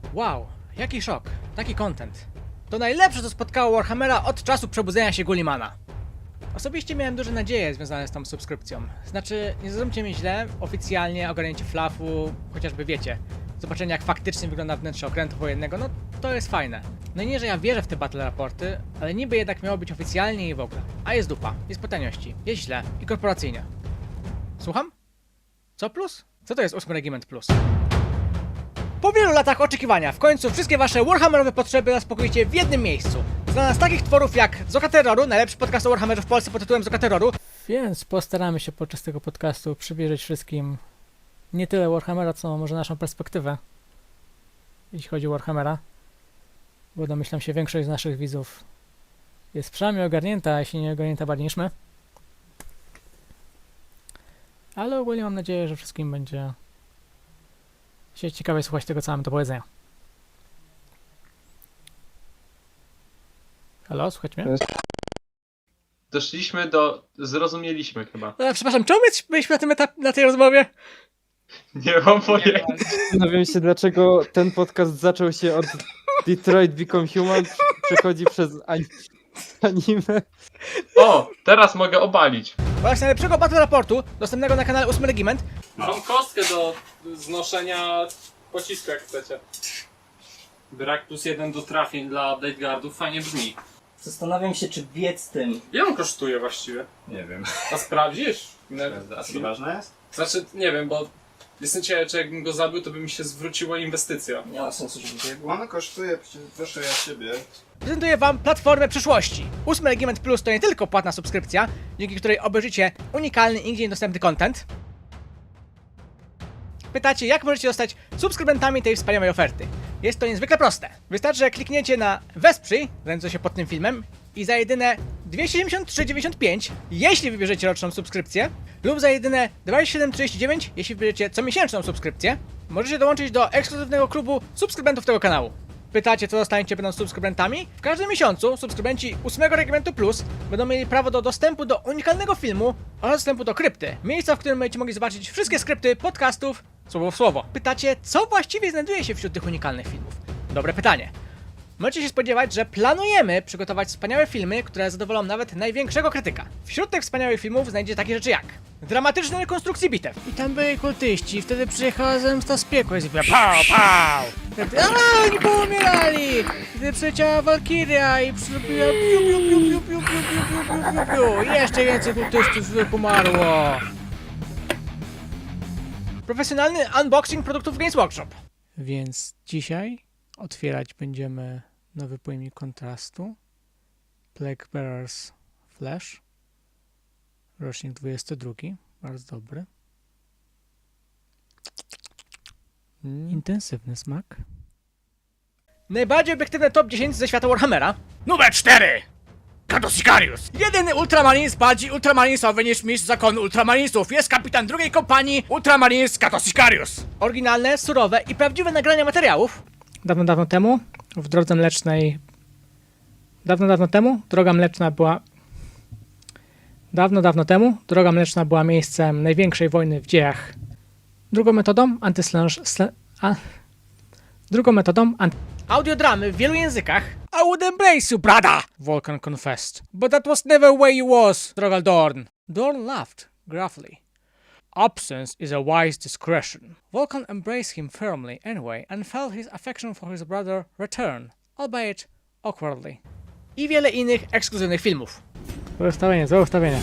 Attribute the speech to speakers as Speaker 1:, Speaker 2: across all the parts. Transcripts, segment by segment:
Speaker 1: Wow, jaki szok, taki content. To najlepsze, co spotkało Warhammera od czasu przebudzenia się Gullimana. Osobiście miałem duże nadzieje związane z tą subskrypcją. Znaczy, nie zrozumcie mnie źle, oficjalnie ogarnięcie flafu, chociażby wiecie, zobaczenie jak faktycznie wygląda wnętrze okrętu wojennego, no to jest fajne. No i nie, że ja wierzę w te battle raporty, ale niby jednak miało być oficjalnie i w ogóle. A jest dupa, jest po taniości, jest źle i korporacyjnie. Słucham? Co plus? Co to jest 8 Regiment Plus? Po wielu latach oczekiwania, w końcu wszystkie wasze Warhammerowe potrzeby zaspokoicie w jednym miejscu. Znana z takich tworów jak Zoka Terroru, najlepszy podcast o Warhammerze w Polsce pod tytułem Zoka Terroru. Więc postaramy się podczas tego podcastu przybliżyć wszystkim nie tyle Warhammera, co może naszą perspektywę, jeśli chodzi o Warhammera. Bo domyślam się, większość z naszych widzów jest przynajmniej ogarnięta, a jeśli nie ogarnięta bardziej niż my. Ale ogólnie mam nadzieję, że wszystkim będzie się ciekawie słuchać tego, co mamy do powiedzenia. Halo, słuchajcie mnie?
Speaker 2: Zrozumieliśmy chyba.
Speaker 1: Przepraszam, czemu byliśmy na tym na tej rozmowie?
Speaker 2: Nie mam pojęcia.
Speaker 3: Zastanawiam się, dlaczego ten podcast zaczął się od Detroit Become Human, przechodzi przez anime.
Speaker 2: O, teraz mogę obalić.
Speaker 1: Właśnie najlepszego battle raportu, dostępnego na kanale 8 Regiment.
Speaker 4: Mam kostkę do znoszenia pocisku, jak chcecie. Brak +1 do trafień dla Blade Guardów fajnie brzmi.
Speaker 5: Zastanawiam się, czy biec tym.
Speaker 4: Ile on kosztuje właściwie?
Speaker 6: Nie wiem.
Speaker 4: A sprawdzisz?
Speaker 6: A to ważne jest?
Speaker 4: Znaczy, nie wiem, bo jestem ciekawy, czy jakbym go zabił, to by mi się zwróciła inwestycja.
Speaker 5: Nie ma sensu, żeby biegł.
Speaker 6: Ono kosztuje, proszę ja siebie.
Speaker 1: Prezentuję wam platformę przyszłości. 8 Regiment Plus to nie tylko płatna subskrypcja, dzięki której obejrzycie unikalny, nigdzie niedostępny content. Pytacie, jak możecie zostać subskrybentami tej wspaniałej oferty? Jest to niezwykle proste. Wystarczy, że klikniecie na Wesprzyj, znajdujące się pod tym filmem, i za jedyne 273,95, jeśli wybierzecie roczną subskrypcję, lub za jedyne 27,39, jeśli wybierzecie comiesięczną subskrypcję, możecie dołączyć do ekskluzywnego klubu subskrybentów tego kanału. Pytacie, co dostaniecie będąc subskrybentami? W każdym miesiącu subskrybenci 8 Regimentu Plus będą mieli prawo do dostępu do unikalnego filmu oraz dostępu do krypty. Miejsca, w którym będziecie mogli zobaczyć wszystkie skrypty podcastów słowo w słowo. Pytacie, co właściwie znajduje się wśród tych unikalnych filmów? Dobre pytanie. Możecie się spodziewać, że planujemy przygotować wspaniałe filmy, które zadowolą nawet największego krytyka. Wśród tych wspaniałych filmów znajdziecie takie rzeczy jak dramatyczne rekonstrukcje bitew. I tam byli kultyści, wtedy przyjechała zemsta z piekła i zrobiła pał, pał! Wtedy, oni poumierali! Wtedy przyleciała Walkiria i zrobiła piu, piu, piu, piu, piu, piu, piu, piu, piu, piu, piu. I jeszcze więcej kultystów umarło. Profesjonalny unboxing produktów Games Workshop. Więc dzisiaj otwierać będziemy nowy pojemnik kontrastu Plague Bearers Flash, rocznik 22, bardzo dobry. Intensywny smak. Najbardziej obiektywny top 10 ze świata Warhammera. Numer 4! Kato Sicarius! Jedyny ultramarines bardziej ultramarinesowy niż mistrz zakonu ultramarinesów jest kapitan drugiej kompanii Ultramarines Kato Sicarius. Oryginalne, surowe i prawdziwe nagrania materiałów. Dawno temu, w drodze mlecznej... Dawno temu, droga mleczna była... Dawno temu, droga mleczna była miejscem największej wojny w dziejach. Drugą metodą Audiodramy w wielu językach. I would embrace you, brother! Vulcan confessed. But that was never where you was, Drogal Dorn. Dorn laughed, gruffly. Absence is a wise discretion. Vulcan embraced him firmly anyway and felt his affection for his brother return, albeit awkwardly. I wiele innych ekskluzywnych filmów. Złe ustawienie.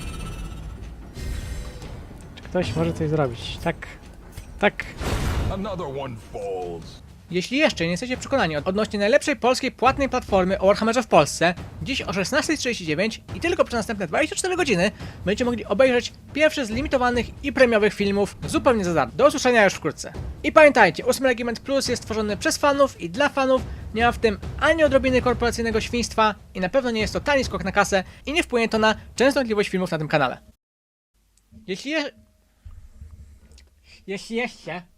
Speaker 1: Czy ktoś może coś zrobić? Tak.
Speaker 7: Another one falls.
Speaker 1: Jeśli jeszcze nie jesteście przekonani odnośnie najlepszej polskiej płatnej platformy o Warhammerze w Polsce, dziś o 16:39 i tylko przez następne 24 godziny będziecie mogli obejrzeć pierwszy z limitowanych i premiowych filmów zupełnie za darmo. Do usłyszenia już wkrótce. I pamiętajcie, 8 Regiment Plus jest tworzony przez fanów i dla fanów, nie ma w tym ani odrobiny korporacyjnego świństwa i na pewno nie jest to tani skok na kasę i nie wpłynie to na częstotliwość filmów na tym kanale. Jeśli jeszcze